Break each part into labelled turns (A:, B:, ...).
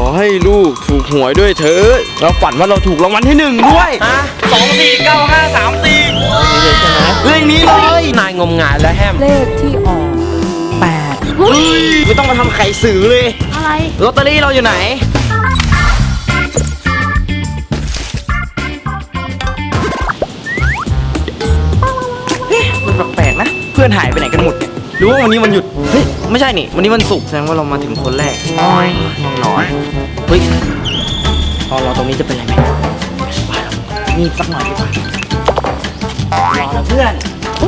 A: ให้ลูกถูกหวยด้วยเถิดเราฝันว่าเราถูกรางวัลที่1ด้วย24953เลขนี้เลยนายงมงายแล้วแฮม
B: เลขที่ออก8
A: ไม่ต้องมาทำไข่สื่อเลย
B: อะไร
A: ลอตเตอรี่เราอยู่ไหนมันแปลกๆนะเพื่อนหายไปไหนกันหมดเนี่ยหรือว่าวันนี้วันหยุดเฮ้ยไม่ใช่นี่วันนี้วันศุกร์แสดงว่าเรามาถึงคนแรกน้อยเฮ้ยตอนเราตรงนี้จะเป็นอะไรไหมนี่สักหน่อยดีกว่ารอนะเพื่อน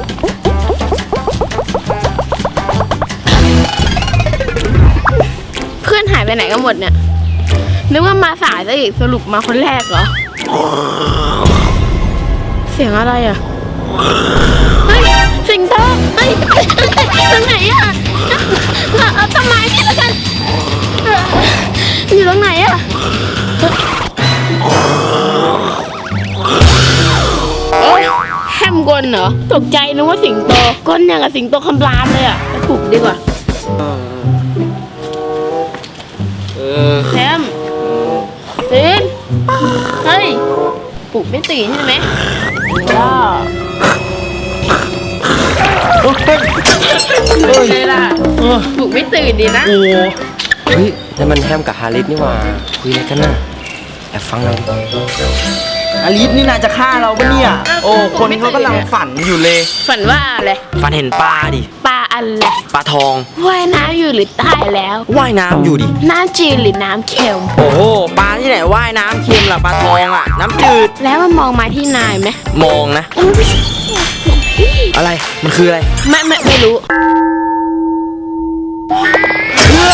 B: เพื่อนหายไปไหนกันหมดเนี่ยนึกว่ามาสายซะอีกสรุปมาคนแรกเหรอเสียงอะไรอ่ะเฮ้ยสิงโตเฮ้ยตรงไหนอ่ะเอาต้นไม้นี่แล้วกันอยู่ตรงไหนอ่ะแฮมกลเหรอตกใจนึกว่าสิงโตก้นอย่างกับสิงโตคำรามเลยอ่ะไปปลุกดีกว่าแฮมตื่นเฮ้ยปลุกไม่ตื่นใช่ไหมเลยล่ะปลุกไม่ตื่นดีนะ
A: เฮ้ยนั่นมันแฮมกับฮาริสนี่หว่าคุยอะไรกันน่ะแอบฟังหน่อยฮาริสนี่นายจะฆ่าเราปะเนี่ยโอ้คนเขากำลังฝันอยู่เลย
B: ฝันว่าอะไร
A: ฝันเห็นปลาดิ
B: ปลาอะไร
A: ปลาทอง
B: ว่ายน้ำอยู่หรือตายแล้ว
A: ว่ายน้ำอยู่ดิ
B: น้ำจืดหรือน้ำเค็ม
A: โอ้โหปลาที่ไหนว่ายน้ำเค็มล่ะปลาทองอ่ะน้ำจืด
B: แล้วมันมองมาที่นายไหม
A: มองนะอะไรมันคืออะไร
B: ไม่รู้
A: เพื่อ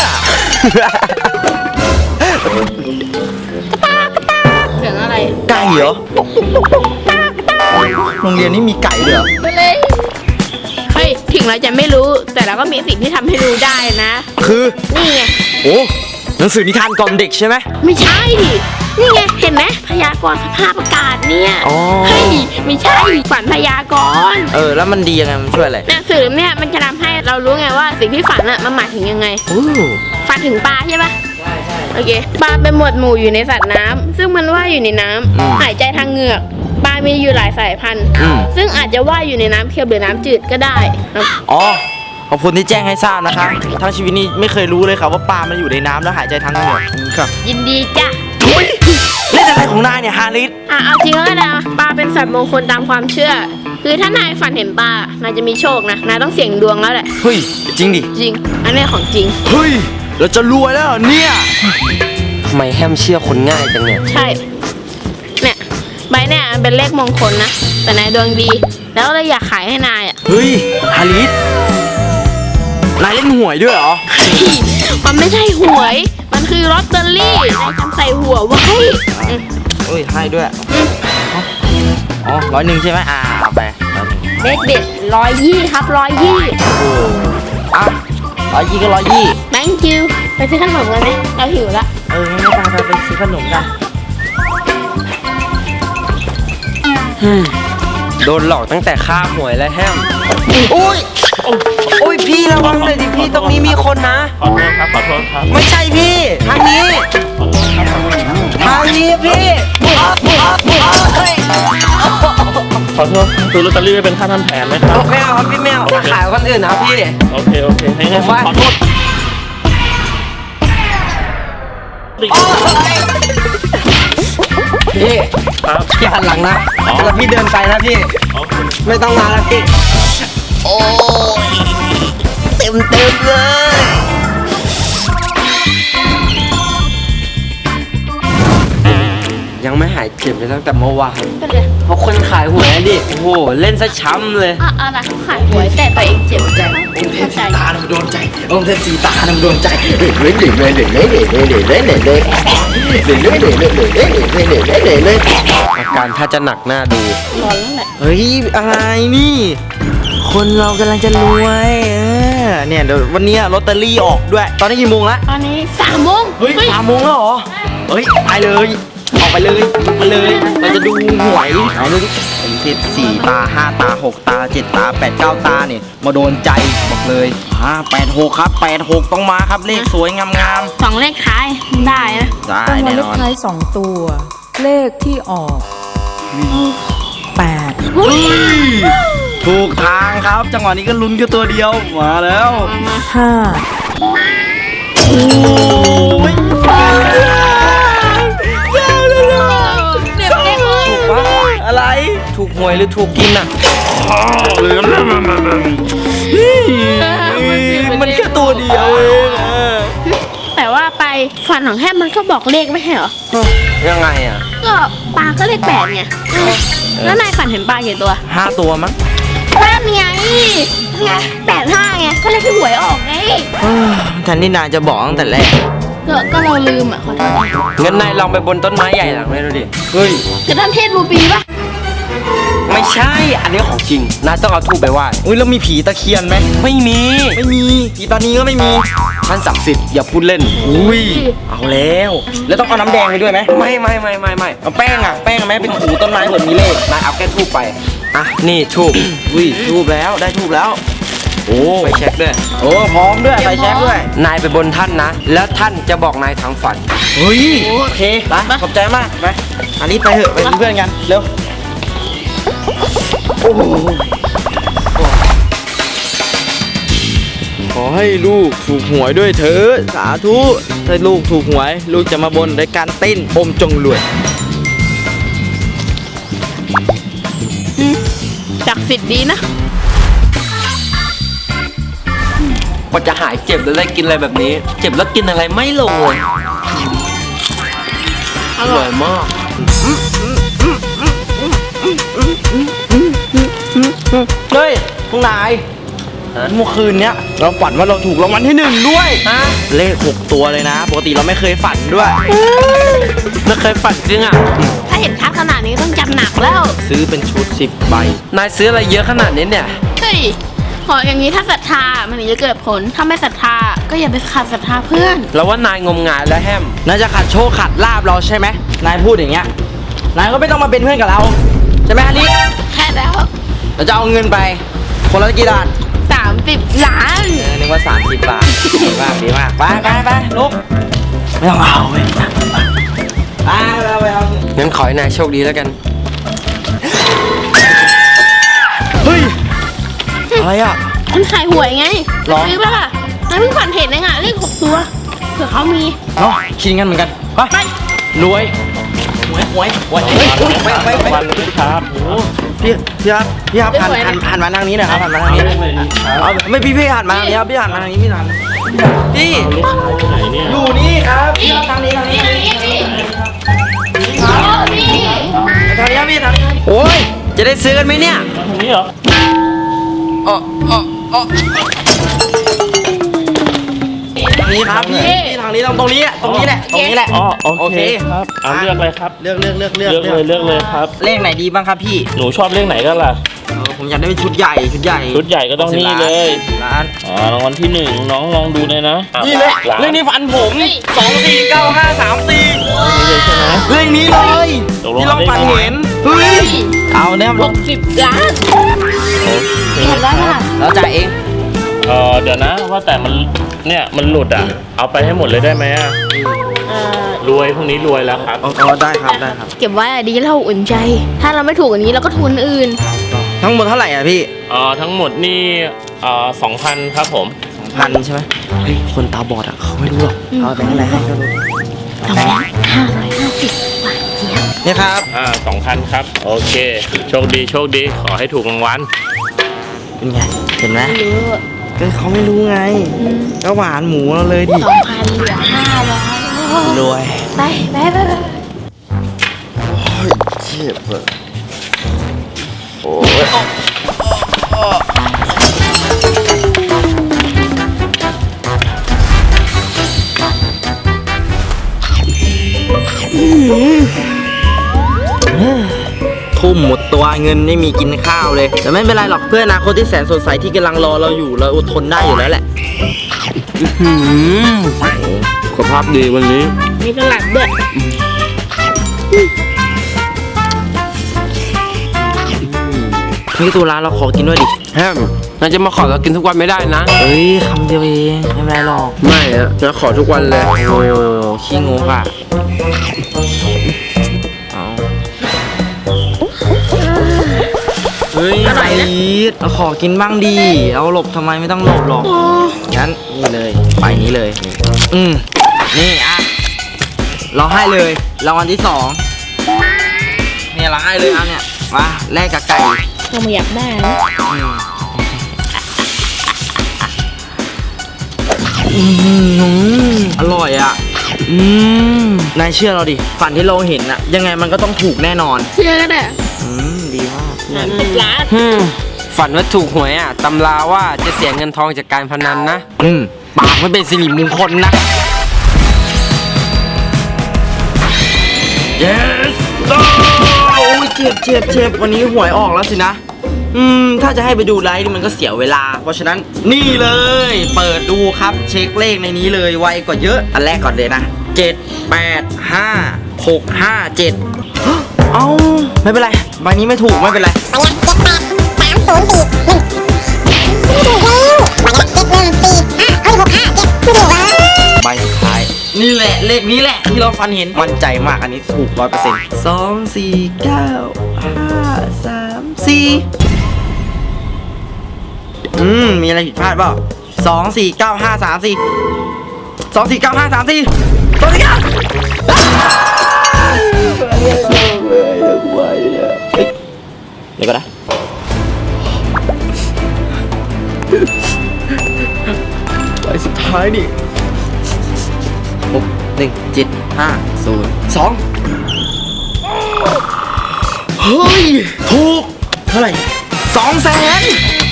B: เสียงอะไร
A: ไก่เหรอโรงเรียนนี้มีไก่เหรอ
B: เฮ้ยถึงเราจะไม่รู้แต่เราก็มีสิ่งที่ทำให้รู้ได้นะ
A: คือ
B: นี่ไง
A: โอ้หนังสือนิทานกล่อมเด็กใช่ไหม
B: ไม่ใช่ดินี่ไงเห็นไหมพยากรณ์สภาพอากาศเนี่ยเฮ้ยไม่ใช่ฝันพยากรณ์
A: แล้วมันดียังไงมันช่วยอะไร
B: หนังสือเนี่ยมันจะทำให้เรารู้ไงว่าสิ่งที่ฝันมันหมายถึงยังไงฝันถึงปลาใช่ปะใช่โอเคปลาเป็นหมวดหมู่อยู่ในสัตว์น้ำซึ่งมันว่ายอยู่ในน้ำหายใจทางเหงือกปลามีอยู่หลายสายพันธุ์ซึ่งอาจจะว่ายอยู่ในน้ำเค็มหรือน้ำจืดก็ได้
A: ขอบคุณที่แจ้งให้ทราบนะคะทั้งชีวิตนี้ไม่เคยรู้เลยครับว่าปลามันอยู่ในน้ำแล้วหายใจทางเหงือกครับ
B: ยินดีจ้ะ
A: เล่นอะไรของนายเนี่ยฮาริส
B: เอาจริงแล้วนะปลาเป็นสัตว์มงคลตามความเชื่อคือถ้านายฝันเห็นปลานายจะมีโชคนะนายต้องเสี่ยงดวงแล้วแหละ
A: เฮ้ยจริงดิ
B: จริงอันนี้ของจริง
A: เฮ้ยเราจะรวยแล้วเนี่ยทำไมแฮมเชื่อคนง่ายจังเนี่ย
B: ใช่เนี่ยใบเนี่ยเป็นเลขมงคลนะแต่นายดวงดีแล้วเลยอยากขายให้นายอ่ะ
A: เฮ้ยฮาริสนายเล่นหวยด้วยเหรอ
B: มันไม่ใช่หวยมันคือลอตเตอรี่นายจำใส่หัวไว้
A: เฮ้ยให้ด้วย100ใช่ไหมเอาไป100
B: เลขเด็ด120ครับ120
A: โอ้120ก็120
B: thank you ไปซื้อขนมกันไหมเราหิวละ
A: ไม่ไปซื้อขนมกันโดนหลอกตั้งแต่ค่าหวยแล้วแฮมอุ้ยพี่ระวังเลยดิพี่ตรงนี้มีคนนะ
C: ขอโทษครับ
A: ไม่ใช่พี่ทางนี้พี่
C: ขอโทษซื้อลอตเตอรี่เป็นค่าทำแผนไหมครับ
A: ไม่เอาครับพี่ไม่เอาขายคนอื่นนะพี่
C: โอเคให้ขอโทษ
A: พี่พี่หันหลังนะแล้วพี่เดินไปนะพี่ไม่ต้องมาแล้วพี่โอ้ยเต็มเลยยังไม่หายเจ็บเลยตั้งแต่เมื่อวานเพราะคนขายหวยดิโอ้โหเล่นซะช้ำเลย
B: อะไรเขาขายหวยแต่ตัวเองเจ็บใจ
A: องค์เทพสีตาโดนใจองค์เทพสีตาโดนใจอาการถ้าจะหนักหน้าดู
B: ร้อนแล้วแหละ
A: เฮ้ยอะไรนี่คนเรากำลังจะรวยเนี่ยเดี๋ยววันนี้ลอตเตอรี่ออกด้วยตอนนี้กี่โมงละ
B: ตอนนี้3 โมง
A: เฮ้ย3 โมงแล้วเหรอเฮ้ยไปเลยออกไปเลยมาเลยเราจะดูหวยไหนดูดิเป็น4 ตา 5 ตา 6 ตา 7 ตา 8 9 ตาเนี่ยมาโดนใจบอกเลย86ครับ86ต้องมาครับเลขสวยงาม
B: 2 เลขท้ายได้นะ
A: ได้
D: รางวั
A: แน่
D: ลเล
A: น
D: ข
A: อน
D: ท้าย2 ตัว เลขที่ออก8
A: ถูกทางครับ จังหวะนี้ก็ลุ้นแค่ตัวเดียวมาแล้ว
D: 5
A: โอ้ย
B: เด็กเด็กเลย
A: ถูกปะอะไรถูกหวยหรือถูกกินอ่ะมันแค่ตัวเดียวเองอะ
B: แต่ว่าไปฝันของแฮมมันก็บอกเลขไม่ใช่เหรอ
A: ยังไงอ่ะ
B: ก็ปลาก็เลข8ไงแล้วนายฝันเห็นปลากี่ตัว
A: 5 ตัวมั้ง
B: นั่นไง8 5ไงก็เลขที่หวยออกไง
A: แทนที่นายจะบอกตั้งแต่แรก
B: ก็เราลืมอ่ะขอโทษ
A: งั้นนายลองไปบนต้นไม้ใหญ่หลังนี้ดูดิเฮ้ย
B: จะทำเทศรูปีป่ะ
A: ไม่ใช่ อันนี้ของจริงนายต้องเอาทูบไปไหว้อุ้ยแล้วมีผีตะเคียนไหมไม่มีผีตานีก็ไม่มีท่านศักดิ์สิทธิ์อย่าพูดเล่นอุ้ยเอาแล้วต้องเอาน้ำแดงไปด้วยไหมไม่เอาแป้งไหมเป็นถูต้นไม้เหมือนมีเลขนายเอาแค่ทูบไปอ่ะนี่ทูบอุ้ยทูบแล้วได้ทูบแล้วโอ้ไปเช็คด้วยโอ้พร้อมด้วยไปเช็คด้วยนายไปบนท่านนะแล้วท่านจะบอกนายทางฝันเฮ้ยโอเคไปขอบใจมากไปอันนี้ไปเถอะไปเป็นเพื่อนกันเร็วโอ้โหขอให้ลูกถูกหวยด้วยเถิดสาธุถ้าลูกถูกหวยลูกจะมาบนด้วยการเต้นอมจงรวย
B: ศักดิ์สิทธิ์ดีนะ
A: พอจะหายเจ็บแล้วได้กินอะไรแบบนี้ เจ็บแล้วกินอะไรไม่ลงเลย
B: อร่อย
A: มากเฮ้ยพวกนายเมื่อคืนเนี้ยเราฝันว่าเราถูกรางวัลที่1ด้วยเลข6 ตัวเลยนะ ปกติเราไม่เคยฝันด้วยไม่เคยฝันจริงอ่ะ
B: ถ้าเห็นชัดขนาดนี้ต้องจำหนักแล้ว
A: ซื้อเป็นชุด10 ใบนายซื้ออะไรเยอะขนาดนี้เนี่ย
B: เฮ้ยขออย่างนี้ถ้าศรัทธามันถึงจะเกิดผล ถ้าไม่ศรัทธาก็อย่าไปขาดศรัทธาเพื่อน
A: เราว่านายงมงายแล้วแฮมนายจะขัดโชคขัดลาบเราใช่ไหมนายพูดอย่างเงี้ยนายก็ไม่ต้องมาเป็นเพื่อนกับเราใช่ไหมฮันนี่
B: แค่แล้ว
A: เราจะเอาเงินไปคนละกี่บาท
B: 30 ล้าน
A: นึกว่า30 บาทดีมากไปลุกไม่ต้องเอาไปเอางั้นขอให้นายโชคดีแล้วกันเฮ้ยอะไรอ่ะ
B: คนขายหวยไง
A: หรอ
B: ซื้อป่ะล่ะนายเพิ่งฝันเห็นเองอ่ะเลข6 ตัวเผื่อเขามี
A: เนาะคิดงั้นเหมือนกันไปรวยหวยไป
C: วันเลยครับโอ้
A: พี่ครับหันมาทางนี้หน่อยครับหันมาทางนี้
C: เลขอะไรดีครับ
A: เอาไม่พี่หันมาทางนี้ครับพี่หันมาทางนี้พี่หันพี่
C: ลูกชายที่ไหนเนี่ย
A: อยู่นี่ครับพี่ครับทางนี้ครับพี่โอ้ยจะได้ซื้อกันไหมเนี่ย
C: มาทางนี้เหรอ
A: นี่ครับพี่ทางนี้ตรงนี้แหละตรงนี้แหละ
C: อ๋อโอเคครับเอาเลือกเลยครับ
A: เลือก
C: เลือกเลยครับ
A: เลขไหนดีบ้างครับพี่
C: หนูชอบเลขไหนกันล่ะ
A: ผมอยากได้เป็นชุดใหญ่
C: ชุดใหญ่ก็ต้องนี่เลย
A: ร้าน
C: รางวัลที่1น้องลองดูเลยนะ
A: นี่เลย
C: ล้าน
A: เลขนี้ฟันผม249534
C: นี่เลยใช่ไหม
A: เลขนี้เลย
C: ตกลง
A: ที่เราฝันเห็นเฮ้ยเอาเนี่ยลง
B: 60 ล้าน เห็นแล้วค่ะ
A: แล้วจ่ายเอง
C: เดี๋ยวนะว่าแต่มันเนี่ยมันหลุดอ่ะ เอาไปให้หมดเลยได้ไหมอ่ะรวยพรุ่งนี้รวยแล้วครับ
A: ได้ครับได้ครับ
B: เก็บไว้อะดีเราอุ่นใจ ถ้าเราไม่ถูกอย่างนี้เราก็ทุนอื่น
A: ทั้งหมดเท่าไหร่อ่ะพี่
C: ทั้งหมดนี่2,000ครับผม
A: 2,000ใช่ไหมเฮ้ยคนตาบอดอ่ะเขาไม่รู้หรอกเอาแบงค์อะไรให้เขาดู
B: 250 บาทเจี๊ยบ
A: นี่ครับ
C: 2,000ครับโอเคโชคดีขอให้ถูกรางวัล
A: เป็นไงเห็นไหม
B: ไม่รู้
A: ก็เขาไม่รู้ไงก็หวานหมูเราเลยดิ
B: 2,000เหลือ500
A: รวย
B: ไป
A: เจ็บเลยโอ้ยทุ่มหมดตัวเงินไม่มีกินข้าวเลย แต่ไม่เป็นไรหรอกเพื่อนอนาคตที่แสนสดใสที่กำลังรอเราอยู่เราอดทนได้อยู่แล้วแหละสุขภาพดีวันนี้
B: มีสลัดด้วย
A: นี่ตัวร้านเราขอกินด้วยดิแฮม
E: นายจะมาขอเรากินทุกวันไม่ได้นะ
A: เฮ้ยคำเดียวเองไม่เป็นไรหรอก
E: ไม่อะจะขอทุกวันเลย
A: โอ้ขี้งกอ่ะเอาเฮ้ยไอ้เราขอกินบ้างดีเอาหลบทำไมไม่ต้องหลบหรอกงั้นนี่เลยไปนี้เลยนี่อ่ะเราให้เลยรางวัลที่ 2เนี่ยเราให้เลยอ่ะเนี่ยมาแลกกับไก่
B: เราไม่อยากได้นะ
A: อร่อยอ่ะนายเชื่อเราดิฝันที่เราเห็นอะยังไงมันก็ต้องถูกแน่นอน
B: เชื่อก็ได้
A: ดีมาก
B: เป็นร้าน
E: ฝันว่าถูกหวยอ่ะตำราว่าจะเสียเงินทองจากการพนันนะ
A: ปากไม่เป็นสิริมงคลนะ yes โอ้ยเจ็บวันนี้หวยออกแล้วสินะถ้าจะให้ไปดูไลฟ์นี่มันก็เสียเวลา เพราะฉะนั้นนี่เลยเปิดดูครับเช็คเลขในนี้เลยไวกว่าเยอะอันแรกก่อนเลยนะ7 8 5 6 5 7เอ้าไม่เป็นไรใบนี้ไม่ถูกไม่เป็นไรใบสุดท้ายนี่แหละเลขนี้แหละที่เราฟันเห็นมั่นใจมากอันนี้ถูก 100% 2 4 9 5 3 4มีอะไรผิดพลาดเปล่า2 4 9 5 3 4 2 4 9 5 3 4 2 4 9เดี๋ยวก่อนนะใบสุดท้ายนี่6 1 7 5 0 2เฮ้ยถูกเท่าไหร่200,000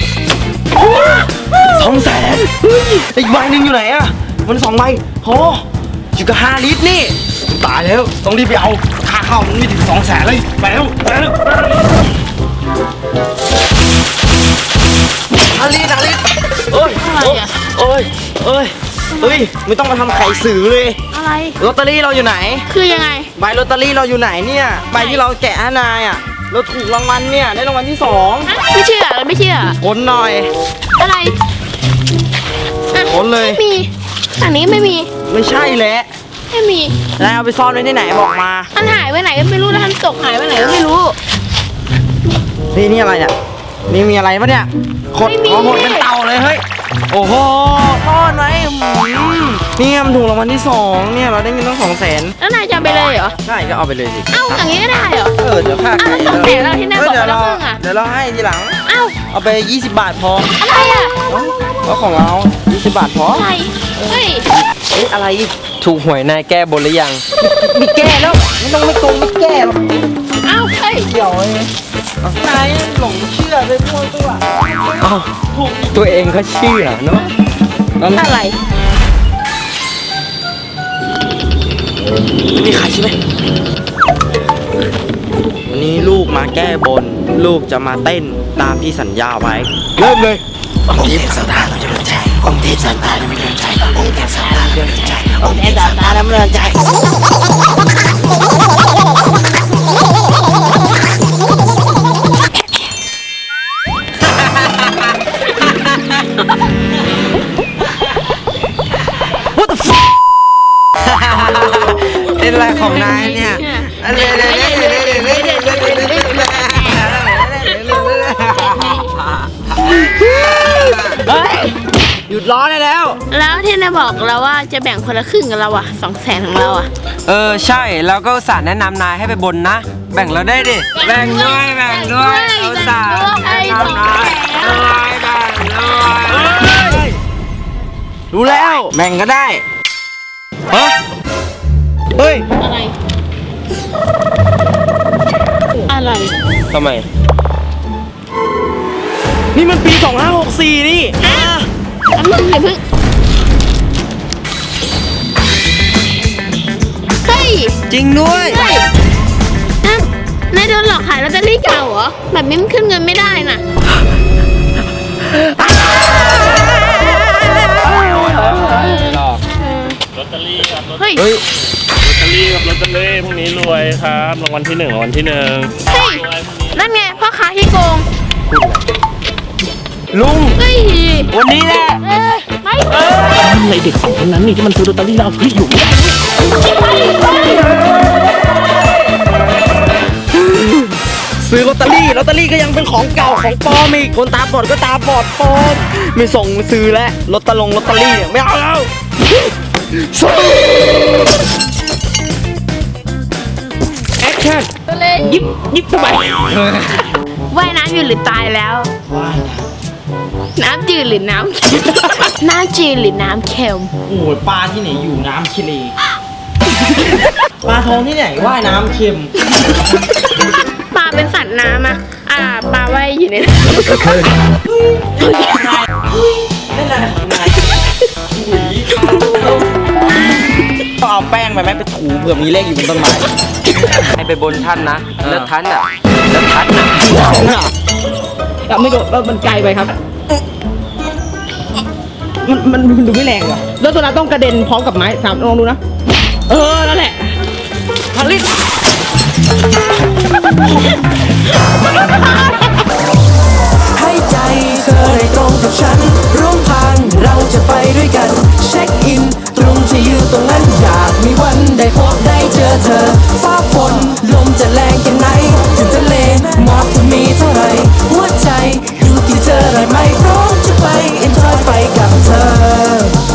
A: 200,000เฮ้ยอีกใบหนึ่งอยู่ไหนอะมัน2ใบโหอยู่กับ5 ลิตรนี่ตายแล้วต้องรีบไปเอาค่าเข้ามันไม่ถึง200,000เลยไปแล้ว5 ลิตรโอ้ยโอ้ยไม่ต้องมาทำไข่สื่อเลย
B: อะไร
A: ลอตเตอรี่เราอยู่ไหน
B: คือยังไง
A: ใบลอตเตอรี่เราอยู่ไหนเนี่ยใบที่เราแกะให้นายอ่ะเราถูกรางวัลเนี่ยได้รางวัลที่
B: ไม่เชื่อเราไม่เชื่อ
A: 2คนหน่อย
B: อะไรอ่ะ
A: คนเลย
B: ไม่มีอันนี้ไม่มี
A: ไม่ใช่แหละ
B: ไม่มี
A: นายเอาไปซ่อนไว้ที่ไหนบอกมา
B: มันหายไปไหนก็ไม่รู้แล้วมันตกหายไปไหนก็ไม่รู้
A: นี่อะไรเนี่ยนี่มีอะไรปะเนี่ยขด
B: ไม่มี
A: ขอหดเป็นเต่าเลยเฮ้ยโอ้โหซ่อนไว้เนี่ยมันถูกรางวัลที่ 2เนี่ยเราได้เงินตั้ง200,000
B: แล้วนายจะเอาไปเลยเหรอ
A: ใช่ก็เอาไปเลยสิ
B: เอ้าอย่างนี้ก็ได้เหรอ
A: เดี๋ยวค่า
B: อ้าวแล้ว200,000เราที่นายบอก
A: เดี๋ยว
B: เราครึ่งอะ
A: เดี๋ยวเราให้ทีหลัง
B: เอ้า
A: เอาไป20 บาทพอ
B: อะไรอ่ะ
A: ก็ของเรา20 บาทพอ
B: อะไรเฮ้ย
A: อะไรอีก
E: ถูกหวยนายแก้บนหรือยัง
A: มีแก้แล้วไม่ต้องไม่โกงไม่แก้หรอก
B: เอ้าเฮ้ย
A: เดี๋ยวเลยนายหลงเชื่อไปมั่วตัว
E: อ้าวตัวเองก็เชื่อเนาะ
B: อะไร
A: ไม่มีใครใช่ไหมวันนี้ลูกมาแก้บน ลูกจะมาเต้นตามที่สัญญาไว้ เริ่มเลยองค์เทพสันตาเราจะเดินใจองค์เทพสันตาเราไม่เดินใจองค์เทพสันตาเราเดินใจองค์เทพสันตาเราไม่เดินใจ What the fuck เป็นอะไรของนายเนี่ยหยุดร้อนได้แล้ว
B: แล้วที่นายบอกเราว่าจะแบ่งคนละครึ่งกับเราอะ200,000ของเราอะ
E: ใช่แล้วก็อุตส่าห์แนะนำนายให้ไปบนนะ แบ่งเราได้ดิแบ่งด้วยเอาอุตส่าห์แนะนำนาย
A: รู้แล้วแบ่งก็ได้เฮ้ย
B: อะไร อะไร
E: ทำไม
A: นี่มันปี 2564 นี่
B: อันนึงอย่าเพิ่งเฮ้ย
E: จริงด้วย
B: เฮ้ยนั่นนายโดนหลอกขายลอตเตอรี่เก่าเหรอ แบบนี้มันขึ้นเงินไม่ได้น่ะ
C: ลอตเตอรี่ครับลอต
B: เฮ้ย
C: เตอรี่ครับลอตเตอรี่พรุ่งนี้รวยครับรางวัลที่ 1รางวัลที่ 1
B: เฮ้ย นั่นไงพ่อค้าที่โกง
E: ลุง
B: เฮ้ย
E: วันนี้แหละ
B: ไม่
C: ในเด็กสองคนนั้นนี่ที่มันซื้อลอตเตอรี่เราพี่อยู่
A: ซื้อลอตเตอรี่ก็ยังเป็นของเก่าของปลอมอีกคนตาบอดก็ตาบอดปลอมไม่ส่งซื้อแล้วลอตเตอรี่เนี่ยไม่เอาแล้วแอคชั่น
B: ตัวเล็ก
A: ยิบทำไม
B: ว่ายน้ำอยู่หรือตายแล้ว น้ำจืดหรือน้ำเค็ม น้ำจืดหรือน้ำเค็ม
A: โอ้ยปลาที่ไหนอยู่น้ำทะเลปลาทองที่ไหนว่ายน้ำเค็ม
B: ปลาเป็นสัตว์น้ำอ่ะปลาว่ายอยู่ในน้
A: เล่นอะไรของนายต้องเอาแป้งไปไหมไปถูเผื่อมีเลขอยู่บนต้นไม้
E: ให้ไปบนท่านนะ แล้วท่านอ่ะ
F: ไม่โดดมันไกลไปครับ มันดูไม่แรงว่ะ แล้วตัวนั้นต้องกระเด็นพร้อมกับไม้ถามลองดูนะ นั่นแหละพลิต
G: ให้ใจเธอได้ตรงกับฉัน ร่วมทางเราจะไปด้วยกัน เช็คอิน ตรงที่อยู่ตรงนั้นอยากมีวันได้พบได้เจอเธอฟ้า